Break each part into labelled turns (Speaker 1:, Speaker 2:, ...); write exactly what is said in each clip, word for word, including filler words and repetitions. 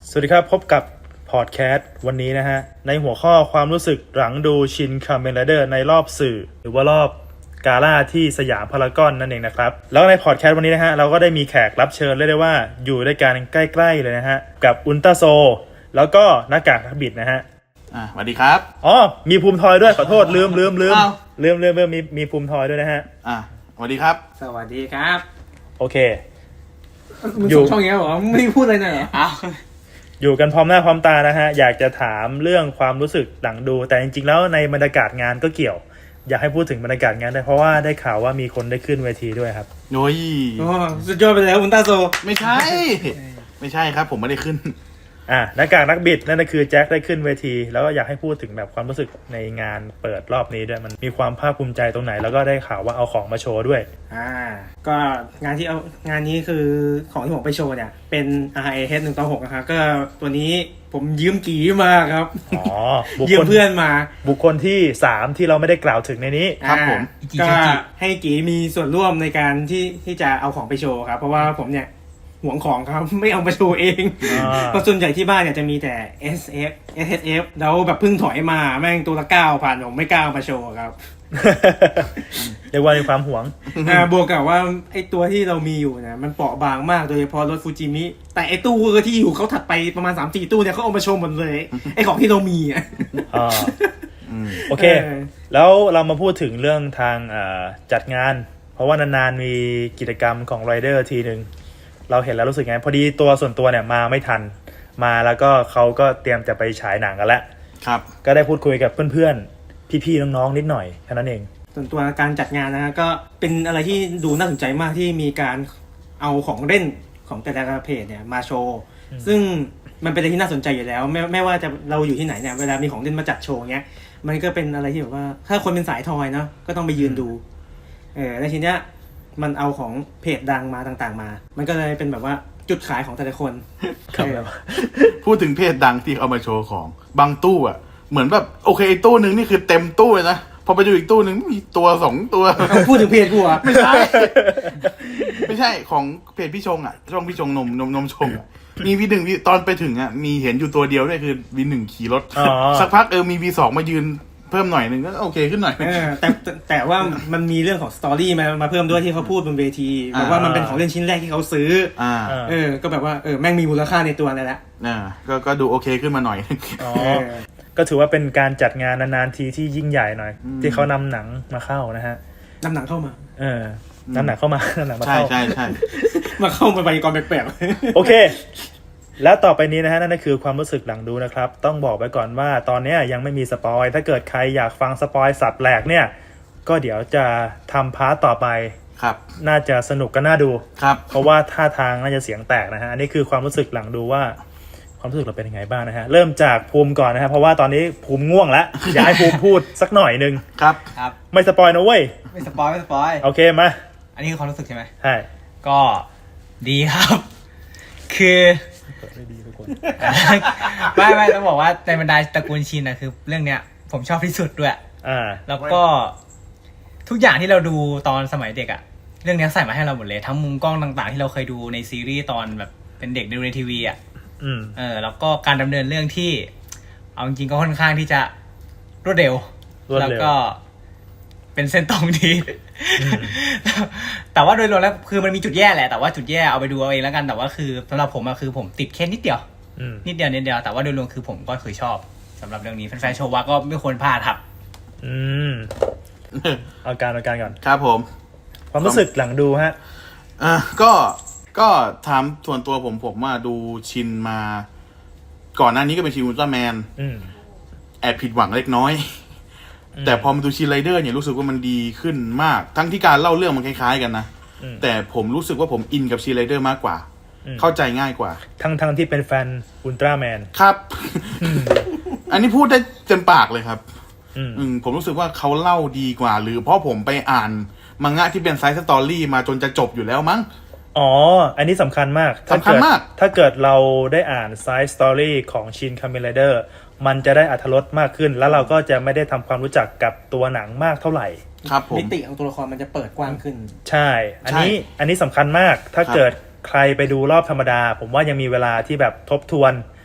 Speaker 1: สวัสดีครับพบกับพอดแคสต์วันนี้นะฮะในหัวข้อความรู้สึกหลังดูชินคาเมนไรเดอร์ในรอบสื่อหรือว่ารอบกาล่าที่สยามพารากอนนั่นเองนะครับแล้วในพอดแคสต์วันนี้นะฮะเราก็ได้มีแขกรับเชิญเรียกได้ว่าอยู่ด้วยกันใกล้ๆเลยนะฮะกับอุลตราโซแล้วก็หน้ากากนักบิดนะฮะ
Speaker 2: อ่าสวัสดีครับ
Speaker 1: อ๋อมีภูมิทอยด้วยขอโทษลืมลืมลืม
Speaker 2: อ้าว
Speaker 1: ลืมลืมลืมมีมีภูมิทอยด้วยนะฮะ
Speaker 2: อ่าสวัสดีครับ
Speaker 3: สวัสดีครับ
Speaker 1: โอเค
Speaker 3: มึงส่งช่องนี้เหรอไม่พูดอะไรหน่อยเหรออ้าว
Speaker 1: อยู่กันพร้อมหน้าพร้อมตานะฮะอยากจะถามเรื่องความรู้สึกหลังดูแต่จริงๆแล้วในบรรยากาศงานก็เกี่ยวอยากให้พูดถึงบรรยากาศงานได้เพราะว่าได้ข่าวว่ามีคนได้ขึ้นเวทีด้วยครับ
Speaker 2: โอ้ย
Speaker 3: โอ้สุดยอดไปแล้วอุลตราโซ
Speaker 2: ไม่ใช่ ไม่ใช่ครับผมไม่ได้ขึ้น
Speaker 1: อ่ะหน้ากากนักบิดนั่นก็คือแจ็คได้ขึ้นเวทีแล้วก็อยากให้พูดถึงแบบความรู้สึกในงานเปิดรอบนี้ด้วยมันมีความภาคภูมิใจตรงไหนแล้วก็ได้ข่าวว่าเอาของมาโชว์ด้วย
Speaker 3: อ่าก็งานที่เอางานนี้คือของที่ผมไปโชว์เนี่ยเป็น อาร์ เอ เอช หนึ่งต่อหกนะครับก็ตัวนี้ผมยืมกีมาครับ
Speaker 1: อ๋อ
Speaker 3: ยืมเพื่อนมา
Speaker 1: บุคคลที่สามที่เราไม่ได้กล่าวถึงในนี้
Speaker 2: ครับผม
Speaker 3: ก็ให้กีมีส่วนร่วมในการที่ที่จะเอาของไปโชว์ครับเพราะว่าผมเนี่ยหวงของครับไม่เอามาโชว์เองเพราะส่วนใหญ่ที่บ้านเนี่ยจะมีแต่ เอส เอฟ เอส เอฟ แล้วแบบเพิ่งถอยมาแม่งตัวละเก้าพันผมไม่กล้ามาโชว์ครับ
Speaker 1: เรียกว่ามีความหวง
Speaker 3: อ่าบวกกับว่าไอ้ตัวที่เรามีอยู่เนี่ยมันเปราะบางมากโดยเฉพาะรถฟูจิมิแต่ไอ้ตู้ที่อยู่เขาถัดไปประมาณ สามสี่ ตู้เนี่ยเขาเอามาโชว์หมดเลยไอ้ของที่เรามีอ่ะ
Speaker 1: อ๋อโอเคแล้วเรามาพูดถึงเรื่องทางจัดงานเพราะว่านานๆมีกิจกรรมของไรเดอร์ทีนึงเราเห็นแล้วรู้สึกไงพอดีตัวส่วนตัวเนี่ยมาไม่ทันมาแล้วก็เขาก็เตรียมจะไปฉายหนังกันแล้ว
Speaker 2: ครับ
Speaker 1: ก็ได้พูดคุยกับเพื่อนๆพี่ๆน้องๆนิดหน่อยแค่นั้นเอง
Speaker 3: ส่วนตัวการจัดงานนะก็เป็นอะไรที่ดูน่าสนใจมากที่มีการเอาของเล่นของแต่ละเพจเนี่ยมาโชว์ซึ่งมันเป็นอะไรที่น่าสนใจอยู่แล้วไม่ไม่ว่าจะเราอยู่ที่ไหนเนี่ยเวลามีของเล่นมาจัดโชว์เงี้ยมันก็เป็นอะไรที่แบบว่าถ้าคนเป็นสายทอยเนาะก็ต้องไปยืนดูเออในทีเนี้ยมันเอาของเพจดังมาต่างๆมามันก็เลยเป็นแบบว่าจุดขายของแต่ละคน
Speaker 2: พูดถึงเพจดังที่เอามาโชว์ของบางตู้อ่ะเหมือนแบบโอเคตู้นึงนี่คือเต็มตู้เลยนะพอไปดูอีกตู้นึงมีตัวสองตัว
Speaker 3: พูดถึงเพจกูอ่ะ
Speaker 2: ไม่ใช่ไม่ใช่ของเพจพี่ชงอ่ะช่องพี่ชงนมนมนมชงมีวีหนึ่งตอนไปถึงอ่ะมีเห็นอยู่ตัวเดียวด้วยคือวีหนึ่งขี่รถสักพักเออมีวีสองมายืนเพิ่มหน่อยนึงก็โอเคขึ้นหน่อย
Speaker 3: แต่แต่ว่ามันมีเรื่องของสตอรี่มามาเพิ่มด้วยที่เขาพูดบนเวทีแบบว่ามันเป็นของเล่นชิ้นแรกที่เขาซื้ออ่าเออก็แบบว่าเออแม่งมีมูลค่าในตัวนั่นแหละ
Speaker 2: อ่าก็ก็ดูโอเคขึ้นมาหน่อย
Speaker 1: อ๋อก็ถือว่าเป็นการจัดงานนานๆทีที่ยิ่งใหญ่หน่อยที่เขานำหนังมาเข้านะฮะ
Speaker 3: นำหนังเข้ามา
Speaker 1: เออนำหนังเข้ามานำหนังมาเข้า
Speaker 2: ใช่ใช่
Speaker 3: มาเข้ามาไปกองแปลก
Speaker 1: ๆโอเคแล้วต่อไปนี้นะฮะนั่นก็คือความรู้สึกหลังดูนะครับต้องบอกไว้ก่อนว่าตอนนี้ยังไม่มีสปอยถ้าเกิดใครอยากฟังสปอยสัตว์แหลกเนี่ยก็เดี๋ยวจะทำพาร์ทต่อไป
Speaker 2: ครับ
Speaker 1: น่าจะสนุกก็น่าดู
Speaker 2: ครับ
Speaker 1: เพราะว่าท่าทางน่าจะเสียงแตกนะฮะอันนี้คือความรู้สึกหลังดูว่าความรู้สึกเราเป็นยังไงบ้างนะฮะเริ่มจากภูมิก่อนนะฮะเพราะว่าตอนนี้ภูมิง่วงแล้วอยากให้ภูมิพูดสักหน่อยนึง
Speaker 2: ครับ
Speaker 4: ครับ
Speaker 1: ไม่สปอยนะเว้ย
Speaker 4: ไม่สปอยไม่สปอย
Speaker 1: โอเคมา
Speaker 4: อันนี้คือความรู้สึกใช่ไหม
Speaker 1: ใช่
Speaker 4: ก็ดีครับคือ
Speaker 1: ไม่ดีทุกคน
Speaker 4: ไม่ไม่ต้องบอกว่าในบรรดาตระกูลชินนะคือเรื่องเนี้ยผมชอบที่สุดด้วย
Speaker 1: อ่า
Speaker 4: แล้วก็ทุกอย่างที่เราดูตอนสมัยเด็กอะเรื่องนี้ใส่มาให้เราหมดเลยทั้งมุมกล้องต่างๆที่เราเคยดูในซีรีส์ตอนแบบเป็นเด็กดูในทีวีอะ
Speaker 1: อืม
Speaker 4: เออแล้วก็การดำเนินเรื่องที่เอาจริงๆก็ค่อนข้างที่จะรวดเร็วแล้วก็เป็นเส้นตรงดีแต่ว่าโดยรวมแล้วคือมันมีจุดแย่แหละแต่ว่าจุดแย่เอาไปดูเอาเองแล้วกันแต่ว่าคือสำหรับผมอะคือผมติดแค่นิดเดียวนิดเดียวนิดเดียวแต่ว่าโดยรวมคือผมก็เคยชอบสำหรับเรื่องนี้แฟนๆโชว์ว่าก็ไม่ควรพลาดครับ
Speaker 1: อืมเอาการเอาการก่อน
Speaker 2: ครับผม
Speaker 1: ความรู้สึกหลังดูฮะ
Speaker 2: อ่ะก็ก็ถามส่วนตัวผมผมว่าดูชินมาก่อนหน้านี้ก็เป็นชินอุลตร้าแมนแอบผิดหวังเล็กน้อยแต่พอมาดูชินไรเดอร์เนี่ยรู้สึกว่ามันดีขึ้นมากทั้งที่การเล่าเรื่องมันคล้ายๆกันนะแต่ผมรู้สึกว่าผมอินกับชินไรเดอร์มากกว่าเข้าใจง่ายกว่า
Speaker 1: ทั้งทั้งที่เป็นแฟนอุลตร้าแมน
Speaker 2: ครับ อันนี้พูดได้เต็มปากเลยครับอืมผมรู้สึกว่าเขาเล่าดีกว่าหรือเพราะผมไปอ่านมังงะที่เป็นไซส์สตอรี่มาจนจะจบอยู่แล้วมั้ง
Speaker 1: อ๋ออันนี้สำคัญมาก
Speaker 2: สำคัญมาก
Speaker 1: ถ้าเกิดเราได้อ่านไซส์สตอรี่ของชินคาเมนไรเดอร์มันจะได้อรรถรสมากขึ้นแล้วเราก็จะไม่ได้ทำความรู้จักกับตัวหนังมากเท่าไหร่
Speaker 2: ครับผม
Speaker 3: มิติของตัวละครมันจะเปิดกว้างขึ้น
Speaker 1: ใช่อันนี้อันนี้สำคัญมากถ้าเกิดใครไปดูรอบธรรมดาผมว่ายังมีเวลาที่แบบทบทวน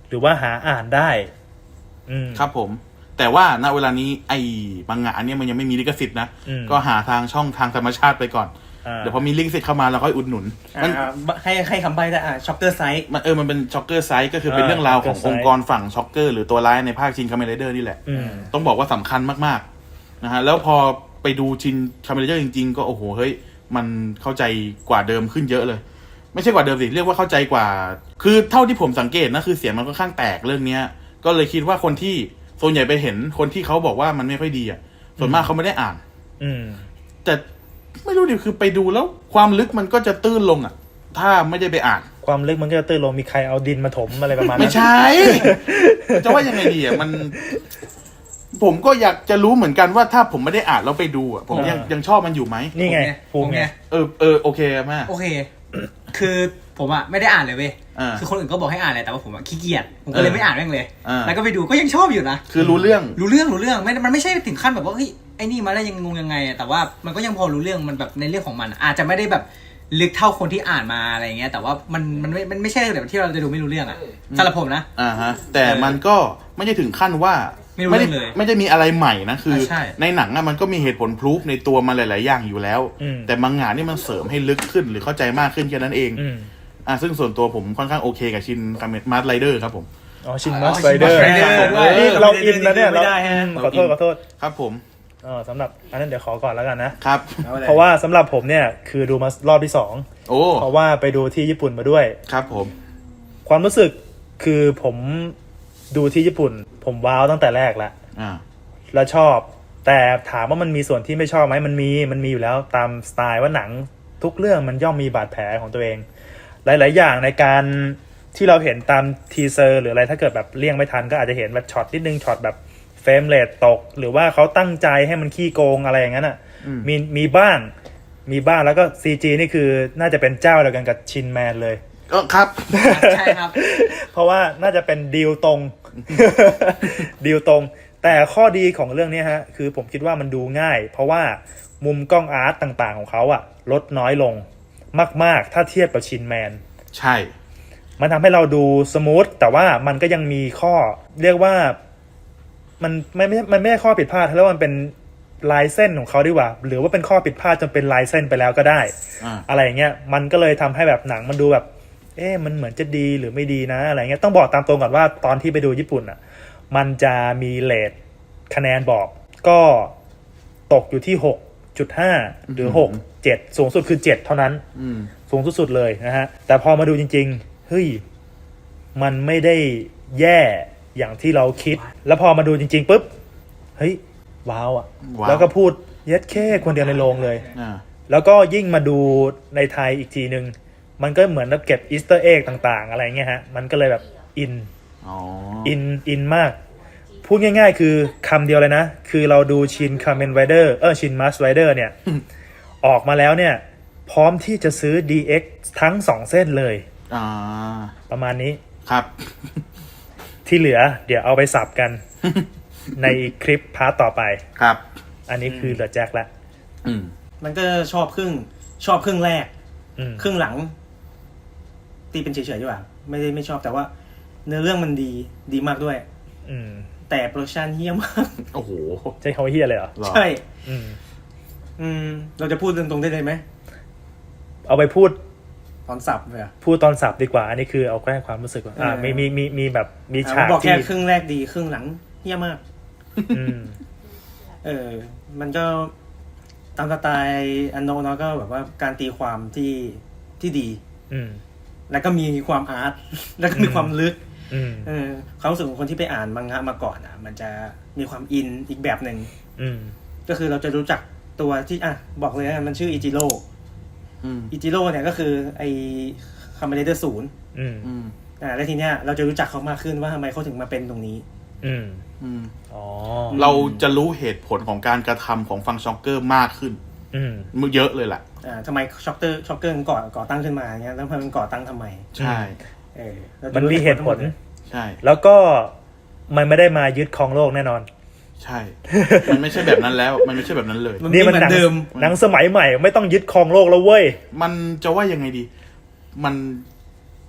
Speaker 1: หรือว่าหาอ่านได้ อืม
Speaker 2: ครับผม แต่ว่าณเวลานี้ไอ้มังงะอันเนี้ยมันยังไม่มีลิขสิทธิ์นะ
Speaker 1: อืม
Speaker 2: ก็หาทางช่องทางธรรมชาติไปก่อน
Speaker 1: อ่า
Speaker 2: เดี๋ยวพอมีลิขสิทธิ์เข้ามาเราค่อยอุดหนุนมัน
Speaker 3: อ่าให้ให้คำใบ้ได้อ่าช็อกเกอร์ไซส์
Speaker 2: มันเออมันเป็นช็อกเกอร์ไซส์ก็คือเป็น
Speaker 1: อ่า
Speaker 2: เรื่องราวของ
Speaker 1: Shocker
Speaker 2: องค์กรฝั่งช็อกเกอร์หรือตัวร้ายในภาคชินคาเมนไรเดอร์นี่แหละ
Speaker 1: อืม
Speaker 2: ต้องบอกว่าสำคัญมากๆนะฮะแล้วพอไปดูชินคาเมนไรเดอร์จริงๆก็โอ้โหเฮ้ยมันเข้าใจกว่าเดิมขึ้นเยอะเลย ไม่ใช่กว่าเดิมสิเรียกว่าเข้าใจกว่า คือเท่าที่ผมสังเกตนะคือเสียงมันค่อนข้างแตกเรื่องเนี้ย ก็เลยคิดว่าคนที่ส่วนใหญ่ไปเห็นคนที่เขาบอกว่ามันไม่ค่อยดีอ่ะส่วนมากเขาไม่ได้อ่าน
Speaker 1: อืม
Speaker 2: แต่ไม่รู้ดิคือไปดูแล้วความลึกมันก็จะตื้นลงอ่ะ ถ้าไม่ได้ไปอ่าน
Speaker 1: ความลึกมันก็จะตื้นลงมีใครเอาดินมาถมอะไรประมาณนั้น
Speaker 2: ไม่ใช่ จะว่ายังไงดีอ่ะมัน ผมก็อยากจะรู้เหมือนกันว่าถ้าผมไม่ได้อ่านแล้วไปดูอ่ะผมยัง
Speaker 1: อ่ายั
Speaker 2: ยังชอบมันอยู่ไหม
Speaker 1: นี่ไง
Speaker 4: ผ
Speaker 1: ภู
Speaker 4: ม
Speaker 1: มิ
Speaker 4: ไง
Speaker 1: ไง
Speaker 2: เออเออโอเคมาก
Speaker 4: โอเค คือผมอะไม่ได้อ่านเลยเว้ย
Speaker 2: อ่า
Speaker 4: คือคนอื่นก็บอกให้อ่านเลยแต่ว่าผมอะขี้เกียจผมก็เลย
Speaker 2: เออ
Speaker 4: ไม่อ่านแม่งเลย
Speaker 2: อ่า
Speaker 4: แล้วก็ไปดูก็ยังชอบอยู่นะ
Speaker 2: คือรู้เรื่อง
Speaker 4: รู้เรื่องรู้เรื่องไม่มันไม่ใช่ถึงขั้นแบบว่าเฮ้ยไอ้นี่มาได้ยังงงยังไงอะแต่ว่ามันก็ยังพอรู้เรื่องมันแบบในเรื่องของมัน อาจจะไม่ได้แบบลึกเท่าคนที่อ่านมาอะไรเงี้ยแต่ว่ามันมันไม่มันไม่ใช่แบบที่เราจะดูไม่รู้เรื่องอะสำหรับผมนะ
Speaker 2: อ่าฮะ แต่มันก็ไม่ได้ถึงขั้นว่า
Speaker 4: ไม่รู้
Speaker 2: ได้
Speaker 4: เรื่องเลย
Speaker 2: ไม่ได้มีอะไรใหม่นะคือ
Speaker 4: ใช่
Speaker 2: ในหนังอะมันก็มีเหตุผลพรูฟในตัวมันหลาย ๆ อย่างอยู่แล้ว
Speaker 1: อืม
Speaker 2: แต่มังงะนี่มันเสริมให้ลึกขึ้นหรือเข้าใจมากขึ้นแค่นั้นเอง
Speaker 1: อืม
Speaker 2: อ่าซึ่งส่วนตัวผมค่อนข้างโอเคกับชินคาเมนมาร์ไรเดอร์ครับผม
Speaker 1: อ๋อชิน
Speaker 4: อ๋อ
Speaker 1: มัสไรเดอร์
Speaker 4: Shin Mask Rider ด้วย
Speaker 1: นี่เราอินแล้วเนี่ย
Speaker 3: ไม่ได้ฮะ
Speaker 1: เราขอโทษขอโทษ
Speaker 2: ครับผม
Speaker 1: อ๋อสำหรับอันนั้นเดี๋ยวขอก่อนแล้วกันนะ
Speaker 2: ครับ
Speaker 1: เพราะว่าสำหรับผมเนี่ยคือดูมารอบที่สอง
Speaker 2: โอ้
Speaker 1: เพราะว่าไปดูที่ญี่ปุ่นมาด้วย
Speaker 2: ครับผม
Speaker 1: ความรู้สึกคือผมดูที่ญี่ปุ่น ผมว้าวตั้งแต่แรกแล้ว
Speaker 2: อ่า
Speaker 1: แล้วชอบ แต่ถามว่ามันมีส่วนที่ไม่ชอบไหมมันมีมันมีอยู่แล้วตามสไตล์ว่าหนังทุกเรื่องมันย่อมมีบาดแผลของตัวเอง หลาย ๆ อย่างในการที่เราเห็นตามทีเซอร์หรืออะไรถ้าเกิดแบบเลี่ยงไม่ทันก็อาจจะเห็นแบบช็อตนิดนึงช็อตแบบเฟรมเรทตก หรือว่าเขาตั้งใจให้มันขี้โกงอะไรอย่างนั้นอ่ะ
Speaker 2: อืม
Speaker 1: มีมีบ้างมีบ้างแล้วก็ ซี จี นี่คือน่าจะเป็นเจ้าเดียวกันกับชินแมนเลย
Speaker 2: ก็ครับ
Speaker 4: ใช่ครับ
Speaker 1: เพราะว่าน่าจะเป็นดีลตรง ดีลตรง แต่ข้อดีของเรื่องนี้ฮะคือผมคิดว่ามันดูง่าย เพราะว่ามุมกล้องอาร์ตต่างๆของเขาอะลดน้อยลงมากๆ ถ้าเทียบกับชินแมน
Speaker 2: ใช่
Speaker 1: มันทำให้เราดูสมูทแต่ว่ามันก็ยังมีข้อเรียกว่ามันไม่ไม่มันไม่ใช่ข้อผิดพลาดแล้วมันเป็นลายเส้นของเขาดีกว่า หรือว่าเป็นข้อผิดพลาดจนเป็นลายเส้นไปแล้วก็ได้
Speaker 2: อ่า
Speaker 1: อะไรอย่างเงี้ยมันก็เลยทำให้แบบหนังมันดูแบบ เอ๊ะมันเหมือนจะดีหรือไม่ดีนะอะไรเงี้ยต้องบอกตามตรงก่อนว่าตอนที่ไปดูญี่ปุ่นอ่ะ มันจะมีเรทคะแนนบอก ก็ตกอยู่ที่ หกจุดห้า หรือ หก เจ็ด สูงสุดคือ เจ็ด เท่านั้น
Speaker 2: อืม
Speaker 1: สูงสุดๆเลยนะฮะ แต่พอมาดูจริงๆ เฮ้ย มันไม่ได้แย่อย่างที่เราคิด แล้วพอมาดูจริงๆปุ๊บ เฮ้ย ว้าวอ่ะ
Speaker 2: ว้าว
Speaker 1: แล้วก็พูดเย็ดแค่คนเดียวในโรงเลย
Speaker 2: อ่า
Speaker 1: แล้วก็ยิ่งมาดูในไทยอีกทีนึง มันก็เหมือนแบบเก็บอีสเตอร์เอ็กต่างๆ อะไรเงี้ยฮะ มันก็เลยแบบอิน
Speaker 2: อ๋อ
Speaker 1: อิน อินมาก พูดง่ายๆ คือคำเดียวเลยนะ คือเราดูชินคาเมนไรเดอร์เออชินมัสไรเดอร์เนี่ย ออกมาแล้วเนี่ย พร้อมที่จะซื้อ ดี เอ็กซ์ ทั้งสองเส้นเลย
Speaker 2: อ่า
Speaker 1: ประมาณนี้
Speaker 2: ครับ
Speaker 1: ที่เหลือเดี๋ยวเอาไปสับกัน ในคลิปพาร์ตต่อไป
Speaker 2: ครับ
Speaker 1: อันนี้คือเหลือแจ็คละ
Speaker 2: อืม
Speaker 3: มันก็ชอบครึ่งชอบครึ่งแรก
Speaker 1: อืม
Speaker 3: ครึ่งหลัง ตีเป็นเฉยๆดีกว่าไม่ได้ไม่ชอบแต่ว่า เนื้อเรื่องมันดีดีมากด้วย
Speaker 1: อืม
Speaker 3: แต่โปรดักชันเฮี้ยมาก
Speaker 2: โอ้โห
Speaker 1: ใช้คำว่าเฮียเลยเหรอ
Speaker 2: หรอ
Speaker 3: ใช่
Speaker 1: อืม
Speaker 3: อืม เราจะพูดตรงๆได้เลยไหม
Speaker 1: เอาไปพูด
Speaker 3: ตอนสับเลยอะ
Speaker 1: พูดตอนสับดีกว่า อันนี้คือเอาแค่ความรู้สึกว่าอ่า
Speaker 3: เออ
Speaker 1: มีมีมีมีแบบมีฉาก
Speaker 3: บอก
Speaker 1: ที่
Speaker 3: แค่ครึ่งแรกดีครึ่งหลังเฮี้ยมาก
Speaker 1: อืม
Speaker 3: เออ มันก็ตามสไตล์อันโนเนาะก็แบบว่าการตีความที่ที่ดี
Speaker 1: อืม
Speaker 3: แล้วก็มีความอาร์ต แล้วก็มีความลึก
Speaker 1: อืม
Speaker 3: เออความรู้สึกของคนที่ไปอ่านมังงะมาก่อนอ่ะ มันจะมีความอินอีกแบบหนึ่ง
Speaker 1: อืม
Speaker 3: ก็คือเราจะรู้จักตัวที่อ่ะบอกเลยนะมันชื่ออิจิโร่
Speaker 2: อืม
Speaker 3: อิจิโร่เนี่ยก็คือไอคาเมเลเดอร์ศูนย์
Speaker 1: อืม
Speaker 2: อืม
Speaker 3: อ่าแล้วทีเนี้ยเราจะรู้จักเขามากขึ้นว่าทำไมเขาถึงมาเป็นตรงนี้
Speaker 1: อืม
Speaker 2: อืม
Speaker 1: อ๋อ
Speaker 2: เราจะรู้เหตุผลของการกระทำของฟังช็อกเกอร์มากขึ้น
Speaker 1: อืม
Speaker 2: มันเยอะเลยแหละ
Speaker 3: อ่าทำไมช็อกเกอร์ช็อกเกอร์มันก่อก่อตั้งขึ้นมาเงี้ยแล้วมันก่อตั้งทำไม
Speaker 2: ใช่
Speaker 3: เออราจะ
Speaker 1: มัน
Speaker 3: รู้
Speaker 1: มีเหตุผล
Speaker 3: ทั้งมดย
Speaker 2: ใช่
Speaker 1: แล้วก็มันไม่ได้มายึดครองโลกแน่นอน
Speaker 2: ใช่ มันไม่ใช่แบบนั้นแล้ว มันไม่ใช่แบบนั้นเลย
Speaker 3: มัน
Speaker 1: นี่
Speaker 3: ไม่
Speaker 1: มัน
Speaker 3: เหมือ
Speaker 1: หนั
Speaker 3: นเดิม
Speaker 1: หนังสมัยใหม่ไม่ต้องยึดครองโลกแล้วเว้ย
Speaker 2: มันจะว่ายังไงดี มัน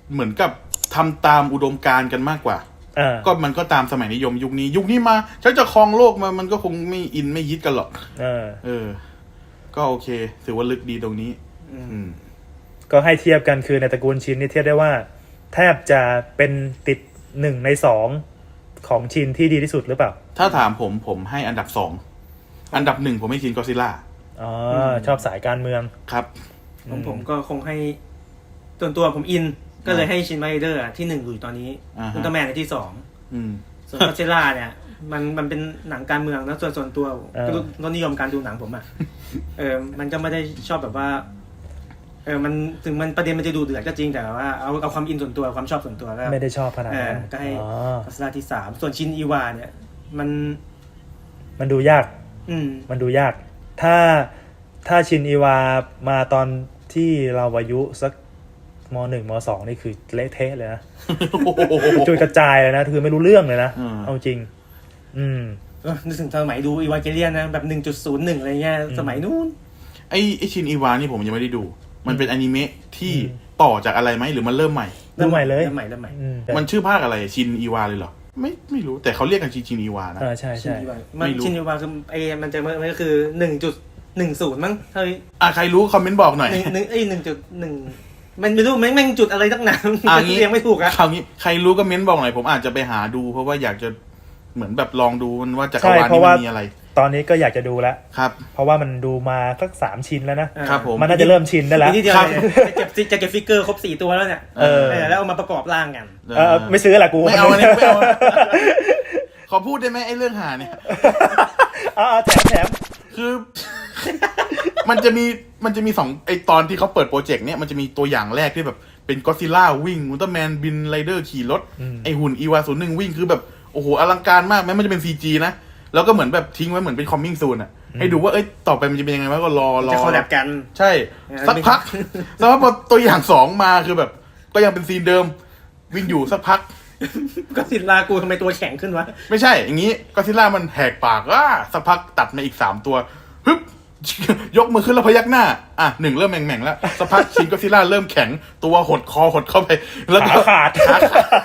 Speaker 2: เหมือนกับทำตามอุดมการณ์กันมากกว่า
Speaker 1: อ่า
Speaker 2: ก็มันก็ตามสมัยนิยมยุคนี้ ยุคนี้มาฉันจะครองโลกมามันก็คงไม่อินไม่ยิดกันหรอก
Speaker 1: เออ
Speaker 2: เออ ก็โอเคถือว่าลึกดีตรงนี้ อืม
Speaker 1: ก็ให้เทียบกันคือในตระกูลชินนี่เทียบได้ว่า แทบจะเป็นติดหนึ่งในสองของชินที่ดีที่สุดหรือเปล่า
Speaker 2: ถ้าถามผมผมให้อันดับสองอันดับหนึ่งผมให้ชินก็ซิล่า
Speaker 1: อ๋อชอบสายการเมือง
Speaker 2: ครับ
Speaker 3: ของผมก็คงให้ส่วนตัวผมอิน ก็เลยให้ชินไมเดอร์ที่หนึ่งอยู่ตอนนี้
Speaker 2: อ่าฮะ
Speaker 3: อุลตร้าแมนในที่สอง
Speaker 2: อืม
Speaker 3: ส่วนก็เซล่าเนี่ย มันมันเป็นหนังการเมืองนะส่วนส่วนตัว
Speaker 1: เออ
Speaker 3: รสนิยมการดูหนังผมอ่ะ เออมันก็ไม่ได้ชอบแบบว่า เออมันถึงมันประเด็นมันจะดูเดือดก็จริงแต่ว่าเอาเอาความอินส่วนตัวความชอบส่วนตัวก็
Speaker 1: ไม่ได้ชอบขนาด
Speaker 3: เออ
Speaker 1: นั้น
Speaker 3: ก็ให้
Speaker 1: อ๋อ
Speaker 3: ก็เซล่าที่สามส่วนชินอีวาเนี่ย มัน
Speaker 1: มันดูยาก
Speaker 3: อืม
Speaker 1: มันดูยาก ถ้าถ้าชินอีวามาตอนที่เราอายุสักมหนึ่งมสองนี่คือเละเทะเลยนะ จุยกระจายเลยนะ คือไม่รู้เรื่องเลยนะ
Speaker 2: อืม
Speaker 1: เอาจริง อืม
Speaker 3: เออนึกถึงสมัยดูอีวาเกเลียนนะแบบหนึ่งจุดศูนย์หนึ่งอะไรเงี้ยสมัยนู้น
Speaker 2: ไอไอชินอีวานี่ผมยังไม่ได้ดู มันเป็นอนิเมะที่ต่อจากอะไรไหมหรือมันเริ่มใหม่
Speaker 1: เริ่มใหม่เลย
Speaker 3: เริ่มใหม่เริ่มใหม่
Speaker 1: อืม
Speaker 2: มันชื่อภาคอะไรชินอีวาเลยเหรอ ไม่ไม่รู้แต่เขาเรียกกันชินชินอีวานะ
Speaker 1: เออใช่
Speaker 3: ชิน
Speaker 1: ใช่
Speaker 3: อีวามัน
Speaker 2: ไม่รู้
Speaker 3: ชินอีวาคือไอ้มันจะมันก็คือหนึ่งจุดหนึ่งศูนย์มั้งเฮ้ย
Speaker 2: อ่ะใครรู้คอมเมนต์บอกหน่อย
Speaker 3: หนึ่งหนึ่งไอ้หนึ่งจุดหนึ่งมันไม่รู้แม่งแม่งจุดอะไรตั้งนาน
Speaker 2: อ่ะงี้
Speaker 3: เรียงไม่ถูกอะ
Speaker 2: คราวนี้ใครรู้ก็เม้นต์บอกหน่อยผมอาจจะไปหาดู เพราะว่าอยากจะเหมือนแบบลองดูมันว่าจักร
Speaker 1: ใช่
Speaker 2: วาล
Speaker 1: เพ
Speaker 2: นี้
Speaker 1: ราะว่า
Speaker 2: มันมีอะไร
Speaker 1: ตอนนี้ก็อยากจะดูแล้ว
Speaker 2: ครับ
Speaker 1: เพราะว่ามันดูมาสักสามชิ้นแล้วนะ
Speaker 2: ครับผม
Speaker 1: มันน่าจะเริ่มชินได้แล้ว
Speaker 3: ทีเดียว
Speaker 2: ครับ
Speaker 3: เลยจะเก็บจะเก็บฟิกเกอร์ครบสี่ตัวแล้วเนี่ย
Speaker 1: เออ
Speaker 3: เออแล้วเอามาประกอบร่างกัน
Speaker 1: เออไม่ซื้อแหละกู
Speaker 2: ไม่เอาอันนี้ไม่เอา ขอพูดได้ไหมไอ้เรื่องหาเนี่ย
Speaker 1: เอ่าแถมแถม
Speaker 2: คือ มันจะมีมันจะมีสองไอตอนที่เขาเปิดโปรเจกต์เนี่ยมันจะมีตัวอย่างแรกที่แบบเป็นก็อดซิลล่าวิ่งอุลตร้าแมนบินไรเดอร์ขี่รถ ไอหุ่นอีวาศูนย์หนึ่งวิ่งคือแบบโอ้โหอลังการมากแม้มันจะเป็น ซี จี นะ แล้วก็เหมือนแบบทิ้งไว้เหมือนเป็นคอมมิ่งซูนอ่ะ ให้ดูว่าเอ้ยต่อไปมันจะเป็นยังไงวะก็รอรอ
Speaker 3: จะคอลแลบกัน
Speaker 2: ใช่
Speaker 3: เออ
Speaker 2: สักพักสักพักพอตัวอย่างสองมาคือแบบ ก็ยังเป็นซีนเดิม วิ่งอยู่สักพัก
Speaker 3: ก็สิลากูทำไมตัวแข็งขึ้นวะ
Speaker 2: ไม่ใช่อย่างนี้ก็อดซิลล่ามันแหกปากอ่ะสักพักตัดมาอีกสามตัวฮึบ ยกมือขึ้นแล้วพยักหน้า อ่ะหนึ่งเริ่มแหม่งๆแล้วสักพักชินก็อดซิลล่าเริ่มแข็งตัวหดคอหดเข้าไป แล้วก็
Speaker 1: ขาขาด
Speaker 2: ขาขาด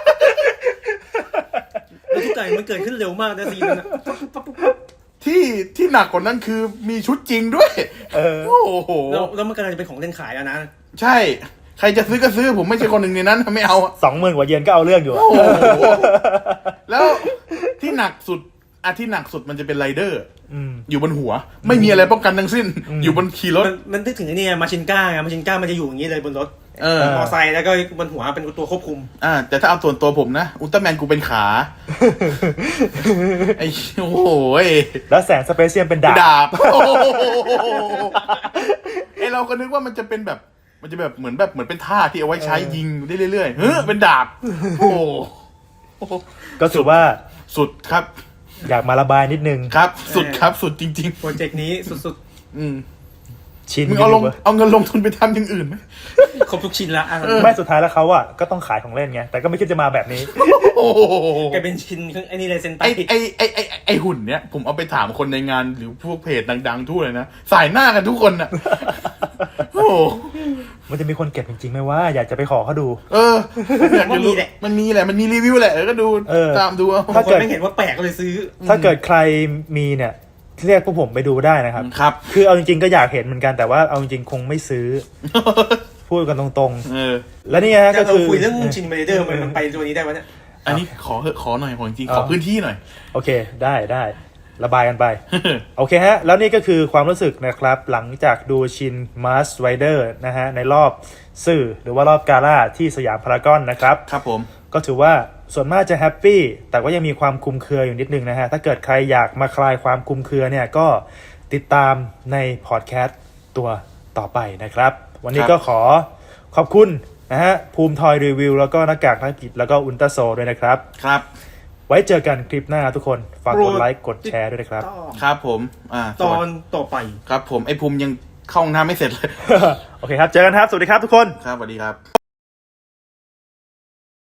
Speaker 3: แล้วทุกอย่างมันเกิดขึ้นเร็วมากนะซีนนั้นอะ
Speaker 2: ที่ที่หนักกว่านั้นคือมีชุดจริงด้วย
Speaker 1: เออ
Speaker 2: โอ้โห
Speaker 3: แล้วแล้วมันกำลังจะเป็นของเล่นขายแล้วนะ
Speaker 2: ใช่ ใครจะซื้อก็ซื้อผมไม่ใช่คนหนึ่งในนั้นไม่เอาอะ
Speaker 1: สองหมื่นกว่าเยนก็เอาเรื่องอยู่อะ
Speaker 2: โอ้โหแล้วที่หนักสุดอ่ะที่หนักสุดมันจะเป็นไรเดอร์
Speaker 1: อืม
Speaker 2: อยู่บนหัว ไม่มีอะไรป้องกันทั้งสิ้น อยู่บนขี่รถ
Speaker 3: มันมันนึกถึงไอ้นี่ไงมาชินก้าไงมาชินก้ามันจะอยู่อย่างนี้เลยบนรถ
Speaker 2: เออ
Speaker 3: มอไซค์แล้วก็บนหัวเป็นตัวควบคุม
Speaker 2: อ่าแต่ถ้าเอาส่วนตัวผมนะอุลตร้าแมนกูเป็นขา ไอ้โอ้โหย
Speaker 1: แล้วแสงสเปเชียลเป็นดาบ
Speaker 2: ดาบโอ้โหไอเราก็นึกว่ามันจะเป็นแบบ มันจะแบบเหมือนแบบเหมือนเป็นท่าที่เอาไว้ใช้ยิงได้เรื่อยๆเฮ้ยเป็นดาบ โอ้โห
Speaker 1: ก็ถือว่า
Speaker 2: สุดครับ
Speaker 1: อยากมาระบายนิดนึง
Speaker 2: ครับ สุดครับสุดจริง
Speaker 3: โปรเจกต์นี้สุด
Speaker 2: ๆ อืม
Speaker 1: ชิน
Speaker 2: มึงเอาลงเอาเงินลงทุนไปทำอย่างอื่นไหม
Speaker 3: ๆ ครบทุกชิ้นละอ่ะ
Speaker 1: ไม่สุดท้ายแล้วเขาอะก็ต้องขายของเล่นไง แต่ก็ไม่คิดจะมาแบบนี้
Speaker 2: โอ้โห
Speaker 3: แกเป็นชิ้นไอ้นี่เลยเซนไต
Speaker 2: ไอไอไอไอไอไอหุ่นเนี้ยผมเอาไปถามคนในงานหรือพวกเพจดังๆทั่วเลยนะสายหน้ากันทุกคนอ่ะ โอ้โห
Speaker 1: มันจะมีคนเก็บจริงๆไหมว่าอยากจะไปขอเขาดู
Speaker 2: เอออยากจะรู้มันมีแหละมันมีรีวิวแหละเออก็ดู
Speaker 1: เออ
Speaker 2: ตามดูเอา
Speaker 3: บางคนไม่เห็นว่าแปลกก็เลยซื้อ
Speaker 1: ถ้าเกิดใครมีเนี่ยเรียกพวกผมไปดูได้นะครับ
Speaker 2: ครับ
Speaker 1: คือเอาจริงๆก็อยากเห็นเหมือนกันแต่ว่าเอาจริงๆคงไม่ซื้อ พูดกันตรง
Speaker 2: เออ
Speaker 1: ๆ แล้วนี่ฮะ
Speaker 3: จะ
Speaker 1: ก็
Speaker 3: เรา
Speaker 1: คือ
Speaker 3: คุยเรื่องชินเมเดอร์มันมันไปตัวนี้ได้วะเนี่ย
Speaker 2: อันนี้ขอเหอะขอหน่อยขอจริงๆ
Speaker 1: เอา
Speaker 2: ขอพื้นที่หน่อย
Speaker 1: โอเคได้ได้ระบายกันไป โอเคฮะ แล้วนี่ก็คือความรู้สึกนะครับ หลังจากดูชินมาสไรเดอร์นะฮะในรอบสื่อหรือว่ารอบกาล่าที่สยามพารากอนนะครับ
Speaker 2: ครับผม
Speaker 1: ก็ถือว่าส่วนมากจะแฮปปี้แต่ก็ยังมีความคลุมเครืออยู่นิดนึงนะฮะ ถ้าเกิดใครอยากมาคลายความคลุมเครือเนี่ยก็ติดตามในพอดแคสต์ตัวต่อไปนะครับ วันนี้ก็ขอขอบคุณนะฮะภูมิทอยรีวิวแล้วก็หน้ากากนักกิจแล้วก็อุลตราโซด้วยนะครับ
Speaker 2: ครับ
Speaker 1: ไว้เจอกันคลิปหน้าทุกคนฝากกดไลค์กดแชร์ด้วยนะครับ
Speaker 2: ครับผมอ่า
Speaker 3: ตอนต่อไป
Speaker 2: ครับผมไอภูมิยังเข้าห้องน้ำไม่เสร็จเลย
Speaker 1: โอเคครับ เจอกันครับ สวัสดีครับทุกคน
Speaker 2: ครับสวัสดีครับ